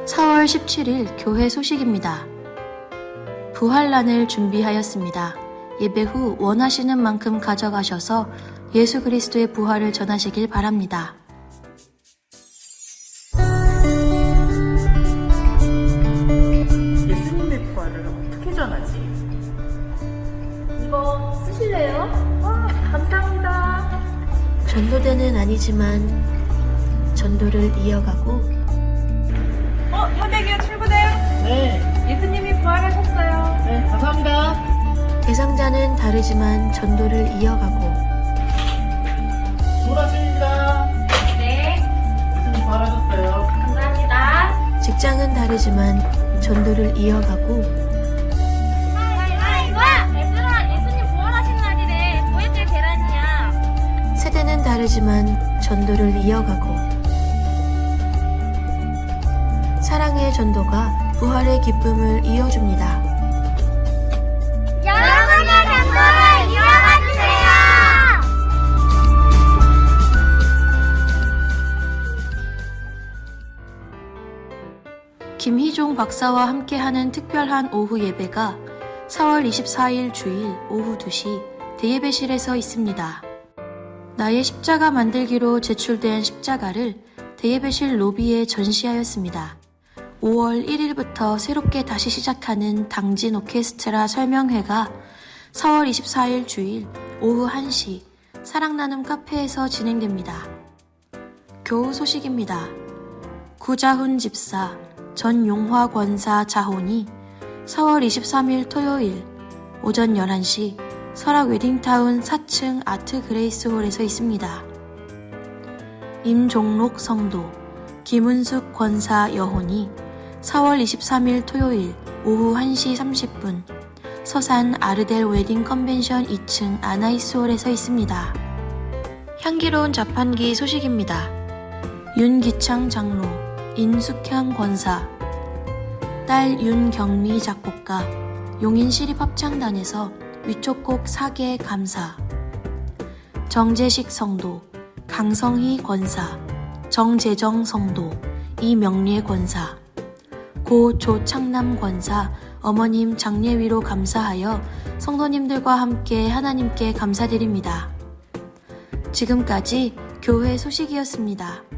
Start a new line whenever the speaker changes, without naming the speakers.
4월 17일 교회 소식입니다. 부활란을 준비하였습니다. 예배 후 원하시는 만큼 가져가셔서 예수 그리스도의 부활을 전하시길 바랍니다.
예수님의 부활을 어떻게 전하지?
이거 쓰실래요?
와, 감사합니다.
전도대는 아니지만 전도를 이어가고
현대기업 출구대요?
네,
예수님이 부활하셨어요.
네, 감사합니다.
대상자는 다르지만 전도를 이어가고
조라십니다.
네,
예수님 바라셨어요.
감사합니다.
직장은 다르지만 전도를 이어가고
얘들아, 예수님 부활하신 날이래. 보혜들 계란이야.
세대는 다르지만 전도를 이어가고 사랑의 전도가 부활의 기쁨을 이어줍니다.
여러분의 전도를 이어가주세요.
김희종 박사와 함께하는 특별한 오후 예배가 4월 24일 주일 오후 2시 대예배실에서 있습니다. 나의 십자가 만들기로 제출된 십자가를 대예배실 로비에 전시하였습니다. 5월 1일부터 새롭게 다시 시작하는 당진 오케스트라 설명회가 4월 24일 주일 오후 1시 사랑나눔 카페에서 진행됩니다. 교우 소식입니다. 구자훈 집사, 전용화 권사 자혼이 4월 23일 토요일 오전 11시 설악 웨딩타운 4층 아트 그레이스 홀에서 있습니다. 임종록 성도, 김은숙 권사 여혼이 4월 23일 토요일 오후 1시 30분 서산 아르델 웨딩 컨벤션 2층 아나이스홀에서 있습니다. 향기로운 자판기 소식입니다. 윤기창 장로, 인숙향 권사, 딸 윤경미 작곡가, 용인시립합창단에서 위촉곡 4개 감사, 정재식 성도, 강성희 권사, 정재정 성도, 이명례 권사, 고 조창남 권사, 어머님 장례위로 감사하여 성도님들과 함께 하나님께 감사드립니다. 지금까지 교회 소식이었습니다.